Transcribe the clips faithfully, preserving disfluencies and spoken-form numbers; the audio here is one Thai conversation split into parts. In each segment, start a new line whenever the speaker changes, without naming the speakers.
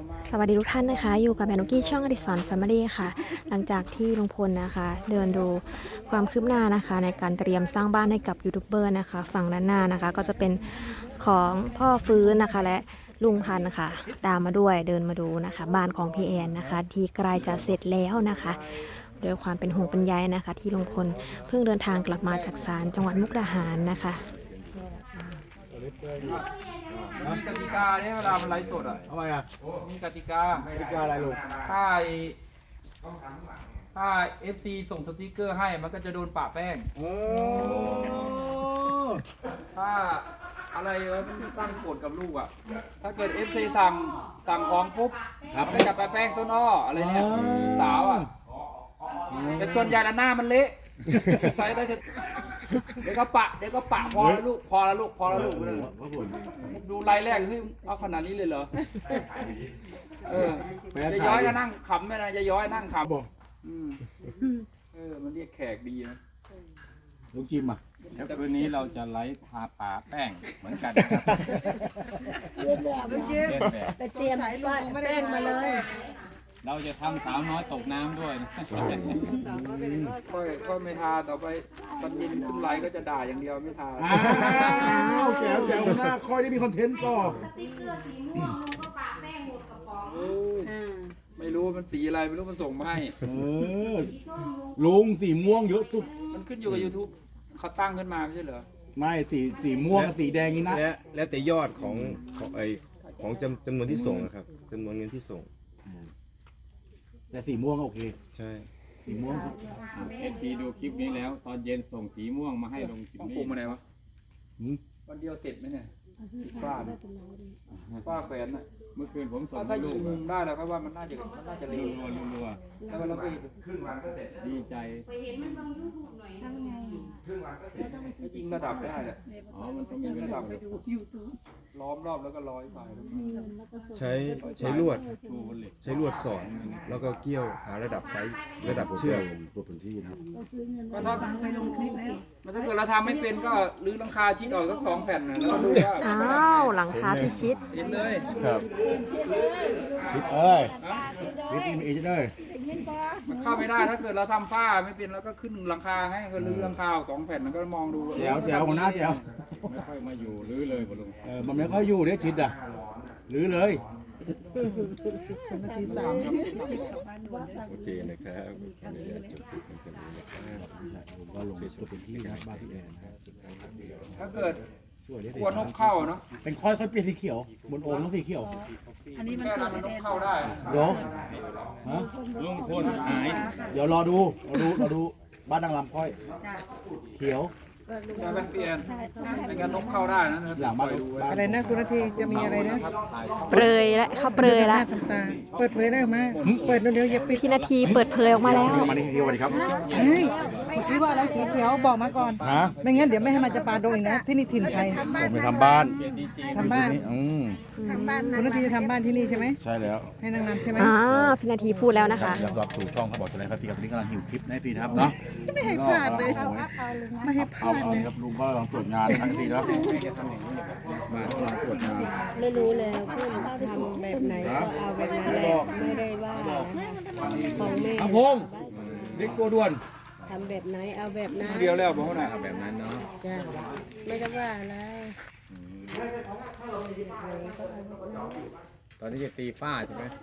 สวัสดีทุกท่านนะคะอยู่กับแมนุกี้ช่องอดิสรแฟมิลี่ค่ะหลังจากที่ลุงพลนะคะเดินดูความคืบหน้านะคะในการเตรียมสร้างบ้านให้กับยูทูบเบอร์นะคะฝั่งด้านหน้านะคะก็จะเป็นของพ่อฟื้นนะคะและลุงพันธ์นะคะตามมาด้วยเดินมาดูนะคะบ้านของพี่แอนนะคะที่ใกล้จะเสร็จแล้วนะคะโดยความเป็นห่วงเป็นใยนะคะที่ลุงพลเพิ่งเดินทางกลับมาจากศาลจังหวัดมุกดาหารนะคะ
มีกติกาเนี่ยเวลามันไลฟ์สดอ่ะ
ทำไมอ่ะ
มีกติกา
กติกาอะไรลูก
ถ้าไอ้ถ้า เอฟ ซี ส่งสติกเกอร์ให้มันก็จะโดนปะแป้ง
โอ้
ถ้าอะไรวะตั้งกฎกับลูกอ่ะ ถ้าเกิด เอฟ ซี สั่งสั่งของปุ๊บมันก็จะไปแป้งต้นอ้ออะไรเนี่ยสาวอ่ะแต่ส่วนใหญ่ละหน้ามันเละใส่ได้เดี๋ยวก็ปะเดี๋ยวก็ปะพอแล้วลูกพอแล้วลูกพอแล้วลูกเลยดูไลน์แรกเฮ้ยเอาขนาดนี้เลยเหรอเออจะย้อยก็นั่งขำไหมนะจะย้อยนั่งขำ
บอก
อืมเออมันเรียกแขกดีนะ
ลูกจิมอ่ะ
เดี๋ยวคืนนี้เราจะไลฟ์พาป่าแป้งเหมือนกันนะครับเล่นแบบเล่นแบบ
ไปเตรียมบ้านแป้งมาเลย
เราจะทำสาวน้อยตกน้ำด้วยนะ
ค่อยค่อยไม่ทาต่อไปตอนเย็นขึ้นไลน์ก็จะด่าอย่างเดียวไม่ทา
อ้าวแจ๋วแจ๋วหน้าคอยได้มีคอนเทนต์ต่อ
เออไม่รู้มันสีอะไรไม่รู้มันส่งมาให้
เออลุงสีม่วงเยอะสุด
มันขึ้นอยู่กับ YouTube เขาตั้งขึ้นมาไม่ใช่เหรอ
ไม่สีสีม่วงกับสีแดงนี่นะ
และแล้วแต่ยอดของของไอของจำจำนวนที่ส่งนะครับจำนวนเงินที่ส่ง
แต่สีม่วงโอเค
ใช่
สีม่วง
เอฟซีดูคลิปนี้แล้ว ตอนเย็นส่งสีม่วงมาให้ลงคลิป
ต้อง
นี้
ปรุงมาไหนวะ
หืม
วันเดียวเสร็จไหมเนี่ยฝ้าเนี่ยฝ้าแขวนน่ะ
เมื่อคืนผมส่ง
ถ้า
ให้
ยิ
ลู
ง
ก
มุมได้แล้วครับว่ามันน่าจะมันน่าจะ
รั
เร็ว
วรัวรัว
แล้วก็เราไป
ดีใจ
ยิงระดับได้แหละ
อ๋อมันต้องมีเว
ระ
ลา
ดับล้อมรอบแล้วก็ร้อยไป
ใช้ใช้ลวด
ชูบนเหล็ก
ใช้ลวดสอดแล้วก็เกี่ยวหาระดับไซส์ระดับเชือก
ก็ถ้ามันถ้าเกิดเราทำไม่เป็นก็รื้อหลังคาชิ้นออกสักสองแผ่นนะแล้วก็ดูว่า
อ้าวหลังคาพิชิต
เห็นเลย
ครับ
ฟิตเอ้ยฟิตอีเอเจนต์เอ้ย
มันเข้าไม่ได้ถ้าเกิดเราทำฝ้าไม่เป็นแล้วก็ขึ้นหลังคาให้ก็รื้อหลังคาออกสองแผ่นมันก็มองดู
แจ๋วแจ๋วของหน้าแจ๋ว
ไม่ค่อยมาอยู่หรือเลยบ่ลุง
เออมันไม่ค่อยอยู่เนี่ยชิดอ่ะหรือเลย
โอเคนะครับเดี๋ยวจะจบคลิปกันตรงนี้นะครับ
ผมก็ลงตัวเป็นที่นะบ้านพี่แอนนะ
ถ้าเกิด
สวย
กลัวนกเข้าเนาะ
เป็นค่อยค่อยเปลี่ยนสีเขียว บนโอ่งต้องสีเขียว
อันนี้มัน
แค่
เกิ
นั้
ด
น
ไม่
น
ได้
กเข้าได้
เดี๋ยวฮะ
ลุงพลหาย
เดี๋ยวรอดูรอดูรอดูบ้านนางลำค่อย เขียว
ได้ไหมพี่แอนไม่งั้นนกเข้าได้นะ
หลังบ้าน
ดูไว้
อะไรนะคุณนาทีจะมีอะไรนะ
เปรยและเขาเปรยละ
ทำตาเปิดเผยได้ไหมเปิดเร็วๆอย่าปิด
พี่นาทีเปิดเผยออกมาแล้ว
มานี่ทีวันนี้ครับ
เฮ้ยคิดว่าอะไรสีเขียวบอกมาก่อน
ฮะ
ไม่งั้นเดี๋ยวไม่ให้มาจะปาโดนอีกนะที่นี่ถิ่นชัย
ผมไปทำบ้าน
ทำบ้าน
อืม
คุณนาทีจะทำบ้านที่นี่ใช่ไหม
ใช่แล้ว
ให้นางรำใช่ไหม
อ่าพี่นาทีพูดแล้วนะคะ
อยากรับสู่ช่องเขาบอกตัวไหนครับพี่ครับตอนนี้กำลังหิวคลิปให้ฟรีนะครับเนาะ
ไม่ให้พลาดเลยไม่ให้พ
เอา
ลาด
เอา
เลย
ครับลุงก็กำลังตรวจงานทั้งทีนะครับมากำลังตรวจงาน
ไม่รู้แล้วเพื่อนทำแบบไหนก็เอาแบบนั้นแหละไม่ได้ว่านะของแม่
ทำพงเด็กตัวด่วน
ทำแบบไหนเอาแบบนั้น
เดียวแล้วบอกเขาหน่อย
แบบนั้นเนาะ
จ้ะไม่ได้ว่าอะไร
ตอนนี้จะตีฝ้าใช่ไหม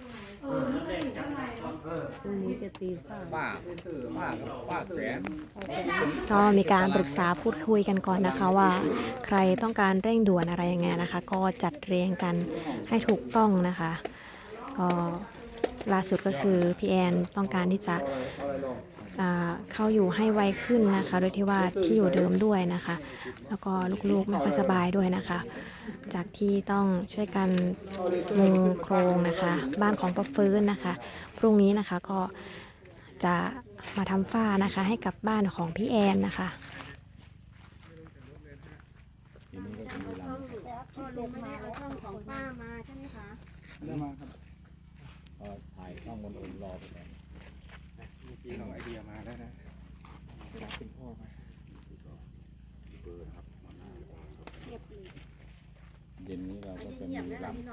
พรุ่งนี้จะตีข้าว
ฝ้าฝ้าฝ้าแขวน
ก็มีการปรึกษาพูดคุยกันก่อนนะคะว่า ใครต้องการเร่งด่วนอะไรยังไงนะคะ ก็จัดเรียงกันให้ถูกต้องนะคะ ก็ล่าสุดก็คือพี่แอนต้องการที่จะอ่าเข้าอยู่ให้ไวขึ้นนะคะ โดยที่ว่าที่อยู่เดิมด้วยนะคะ แล้วก็ลูกๆไม่ค่อยสบายด้วยนะคะ จากที่ต้องช่วยกันมุงโครงนะคะ บ้านของป้าฟื้นนะคะ พรุ่งนี้นะคะก็จะมาทำฝ้านะคะให้กับบ้านของพี่แอนนะคะ
ของป้ามาใช่ไหมคะ
ได้มาครับ
ถ่ายช่องบนอุ่นรอไปก่อน
พี่เอาไอเดียมาแล้วนะเป็นพ่อมา
เย็ย็นนี้เราก็จะมีลำ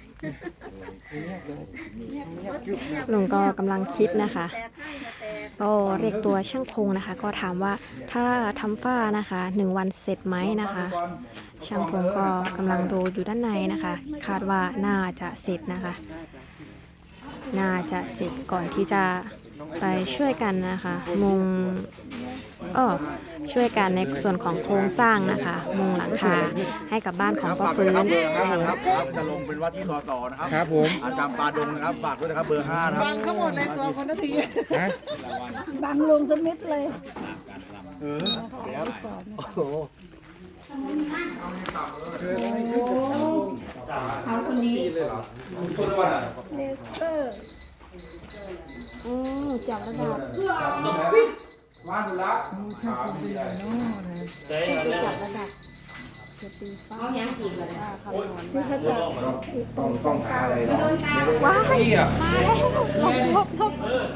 ลุงก็กำลังคิดนะคะ ก็เรียกตัวช่างพงนะคะ ก็ถามว่าถ้าทำฝ้านะคะหนึ่งวันเสร็จไหมนะคะ ช่างพงก็กำลังดูอยู่ด้านในนะคะ คาดว่าน่าจะเสร็จนะคะ น่าจะเสร็จก่อนที่จะไปช่วยกันนะคะ มุงเออช่วยกันในส่วนของโครงสร้างนะคะ มุงหลังคาให้กับบ้านของป้าฟื้น
ครับเบอร์ห้านะครับครับจะลงเป็นว่าที่สสนะครับ
ครับผม
อาจารย์ปาดงนะครับฝากด้วยนะครับเบอร์ห้านะครับ
บังเขาหมดเลยตัวคนละที
บังลงสมิธเลย
เออเดี๋ยวโอ้โห
เอาคนนี้
คนละวันอ่ะ
เลเซอร์อืมจับระดับ
มาดูละ
ช่างคงดีเนาะนะ
จับระดับจะตีฟ้าเอายังกี่เลยคำนวณที่เขาจะ
ต้องต้องหาอะไรเนาะ
ว้าย
พี่อ่ะ
มาแล้วหลบหลบหลบ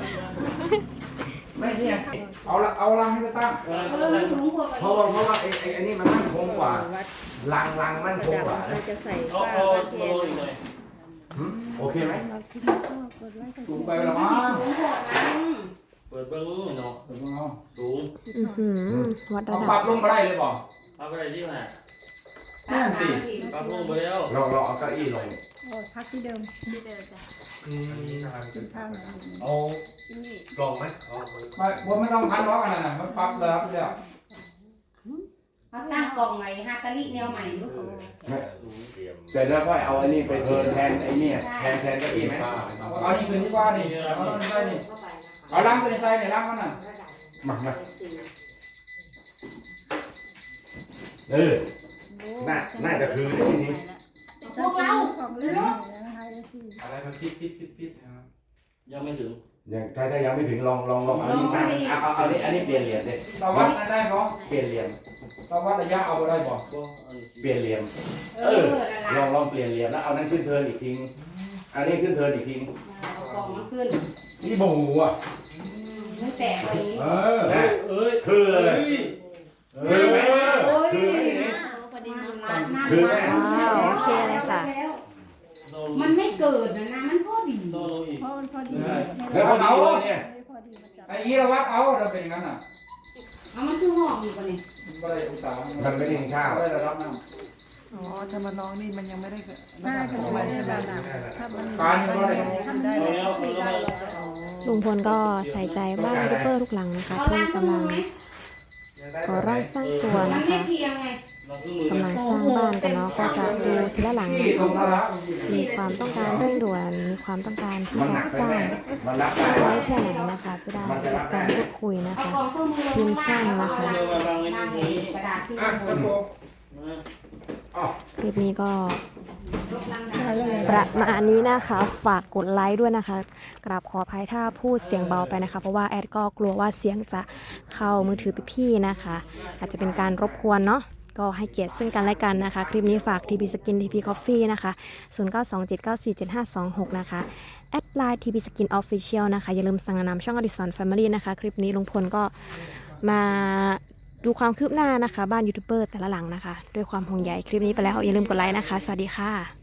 ไม่เนี่ย
เอาละเอาลังให้ไปตั้ง
เพราะว่าเพราะว่าไอ้ไอ้ไอ้นี่มันมั่นคงกว่าลังลังมั่นคงกว่านะ
เราจะใส่ฟ้าประเทศ
หืมโอเคไหม
เราคิดว่าก็กดไว้กัน
สูงไปแล้วมั้ง
เปิดเบิ้งเนาะ
สูงเอา
สูง
อื้อหือวัดระ
เอา
ดั
ปรับบ ลงมาได้เลยบอก
ทำอะไรที่ไหน
แน่นสิ
ปรับลงไปแล้ว
ลองลองเอาเก้าอี้ลง
โอ้พักที่เดิมที่เดิมจ้ะกินข้าวหน่อย
เอาลองไหมเอา
ไม่ผมไม่ต้องพันล้อกันนะมันปรับเลยครับเดี๋ยว
เขาตั้งกล่องไงฮาตาลิแนวใหม่ดู
เสร็จแล้วก็เอาอันนี้ไปเทิร์นแทนไอ้เนี่ยแทนแทนเก้าอี้ไหม
เอานี่คืนที่ว่านี่เอาลังใส่นี่เอาลังตัวนี้ใส่ในลังมันน่ะ
มามาเออน่าน่าจะคือที่นี้
พวกเรา
ของเล่นนะคะสิ
อะไรมันพิษพิษพิษพิษนะครับ
ยังไม่ถึง
ยังถ้าถ้ายังไม่ถึงลองลองลองเอาอันนี้ตั้งเอาเอาเอาอันนี้อันนี้เปลี่ยนเหรียญดิ
เราวัดได้เนาะ
เปลี่ยนเหรียญ
เราวัดระยะเอาไปได้บอก
ก็อันนี้
เปลี่ยนเหรียญ
เออนั่น
ลอง
ละ
ลองเปลี่ยนเหรียญแล้วเอานั้นขึ้นเทิร์นอีกทีอันนี้ขึ้นเทิร์นอีกที
เอากล่องมาขึ้น
นี่บูอ่ะ
ไม่แตกเลย
เออ
นะ
เอ้ย
คือเลยคือไหม
โอ้ย
คือไหมทีนี้
พอดีมันร้านนั่น
คือแม่
ว้าวโอเคเลยค่ะ
โดน
มันไม่เกิดนะนะมันพอดี
โดนลงอีก
เพราะมันพอดี
แล้วพอดีเลยเนี่ย
พอดีมาจับ
ไอ้ยี่เราวัดเอาเราเป็นอย่างนั้นอ่ะ
เอามันคือห้องอีกวะเนี่ย
ไม่ได้องศา
มันไม่ได้กินข้าว
ไม่ได้ระดับน้
อ๋อถ้ามาลองนี่มันยังไม่ได้เกิด
ใช่ค่ะไม่ได้ระดับถ้ามัน
ำการนี่ก็ได้
ทำได้
เอา
แล้
แล้ว วเอาแล้ว
ลุงพลก็ใส่ใจบ้านยูทูบเบอร์ทุกหลังนะคะที่กำลังก่อร่างสร้างตัว
มัน
นะ
ไม่
คะ
เพียงไง
เราขึ้นมือก
ำลังสร้างบ้านกันเนาะก็จะดูทีละหลังนะคะว่ามีความต้องการเร่งด่วนมีความต้องการที่
มันห
จะ
นัก
สร้าง
มันรับได้
ไว้แค่ไหนนะคะ จะได้จัดการพูดคุยนะ
เอา
คะ
กล่องเครื่องมือ
ทีมช่างนะคะ
เดี๋ยวมาวางไว้
นั่ง
ที่นี้
กระดาษที่
อ่ะกระโปรง
มา
คลิปนี้ก็
ยกลังดา
ประมาณนี้นะคะ ฝากกดไลค์ด้วยนะคะ กราบขออภัยถ้าพูดเสียงเบาไปนะคะ เพราะว่าแอดก็กลัวว่าเสียงจะเข้ามือถือพี่ๆนะคะ อาจจะเป็นการรบกวนเนาะก็ให้เกียรติซึ่งกันและกันนะคะ คลิปนี้ฝาก ที พี Skin ที พี Coffee นะคะศูนย์ เก้า สอง เจ็ด เก้า สี่ เจ็ด ห้า สอง หกนะคะแอดไลน์ ที พี Skin Official นะคะอย่าลืมสั่งนำช่อง Addison Family นะคะคลิปนี้ลุงพลก็มาดูความคืบหน้านะคะ บ้านยูทูบเบอร์แต่ละหลังนะคะด้วยความห่วงใยคลิปนี้ไปแล้วอย่าลืมกดไลค์นะคะสวัสดีค่ะ